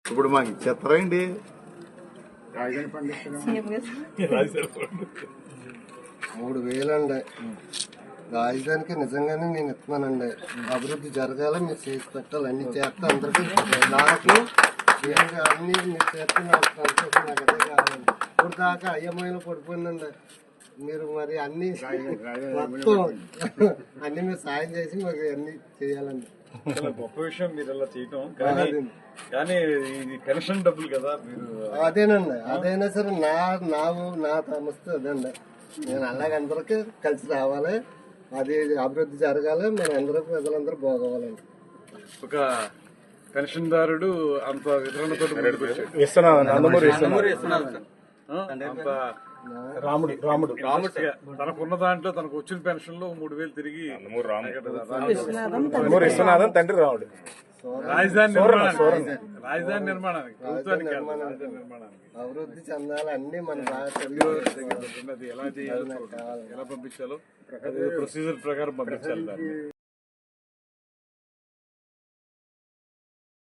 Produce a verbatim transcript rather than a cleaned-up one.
ఇప్పుడు మాకు ఇచ్చేస్తారండి. మూడు వేలండి రాజధానికి నిజంగానే నేను ఇస్తున్నానండి. అభివృద్ధి జరగాల, మీరు చేసి పెట్టాలి, అన్ని చేస్తే అందరికీ నాకు అన్ని మీరు చేస్తే నాకు సంతోషం. నాకు అదే కావాలండి. ఇప్పుడు దాకా అయ్యమ్మాయిలో పడిపోయిందండి. మీరు మరి అన్ని మొత్తం అన్ని మీరు సాయం చేసి మాకు అన్ని చేయాలండి. గొప్ప విషయం మీరు అలా చేయటం. కానీ కానీ ఇది పెన్షన్ డబ్బులు కదా మీరు. అదేనండి, అదైనా సరే నా నా నా సంస్థ అదండి. నేను అలాగే అందరికీ కలిసి రావాలి, అది అభివృద్ధి జరగాలి, మన అందరూ ప్రజలందరూ బాగోవాలండి. ఒక పెన్షన్ దారుడు అంత వితరణతో అంత రాముడు రాముడు తనకున్న దాంట్లో తనకు వచ్చిన పెన్షన్ లో మూడు వేలు తిరిగి విశ్వనాథన్ తండ్రి రాముడు రాజధాని నిర్మాణానికి రాజధాని నిర్మాణానికి ప్రభుత్వానికి రాజధాని నిర్మాణానికి అభివృద్ధి చెందాలి, అన్ని మన ఎలా చేయాలో ఎలా పంపించాలో ప్రొసీజర్ ప్రకారం పంపించాలి దాన్ని.